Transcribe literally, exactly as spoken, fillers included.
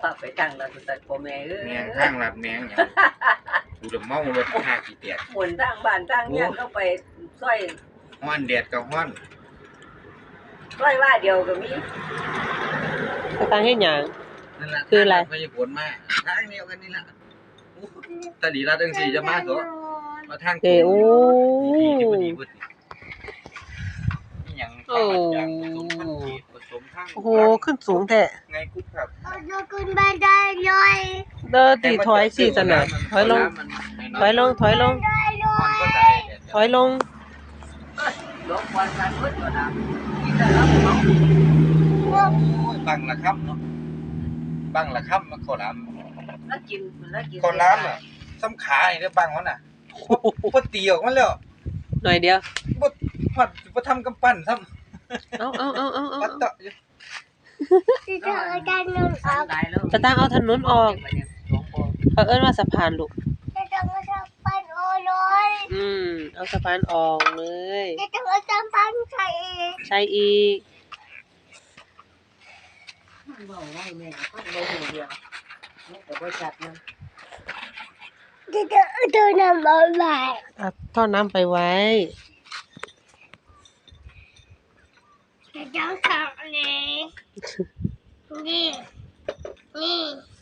าไปทางรัฐตัดพ่อแม่เอ้ยแมงทางลัดแมงหยังกูจะเมารถห้ากี่แตกหมุนทางบ้านทางเมืองก็ไปซอยฮ้อนแดดก็ฮ้อนซอยว่าเดียวก็มีสตางค์เฮ็ดหยังนั่นล่ะคืออะไรพยาผลมาทางเดียวกันนี่ล่ะตาดีรัดจังซี่จะมาตัวมาทางเอ้โอ้ดีที่บ่ดีเบิดนี่หยังข้าวจากผสมพันธุ์จีนผสมทางโอ้โหขึ้นสูงแท้ไงกุ๊บครับเราขึ้นบันไดเลยเด้อตีถอยสิจังได๋ถอยลงถอยลงถอยลงได้เลมันยก็ตายแดดถอยลงหลวงพ่อสันเพิ่นก็นำนี่แต่ละเนาะโอ้ยบังละครับเนาะบังละครับมันข้าวหลามแล้วกินแล้วกินข้าวหลามอ่ะซ้ำขานี่เด้อบังมันน่ะบ่ตีออกมันแล้วหน่อยเดียวบ่ฮอดบ่ทำกำปั้นซ้ำเอาเอาเอาเอาเอาปัดเตาะอยู่ที่เธอจะนอนอสัอน กหลายแล้วสตางค์เอาถนนออกหลวงพ่อเขาเอิ้นว่าสะพานลูกจะต้องมาทำปันโอเลยอืมเอาสะพานออกเลยจะต้องมาทำปันใส่ใช่อีกเว้าไว้แม่ก็บ่ฮู้เรื่องแม่ก็บ่ชัดนะจะต้องตัวนำเอาไว้เอาท่อน้ำไปไว้จะต้องทำเลยนี่นี่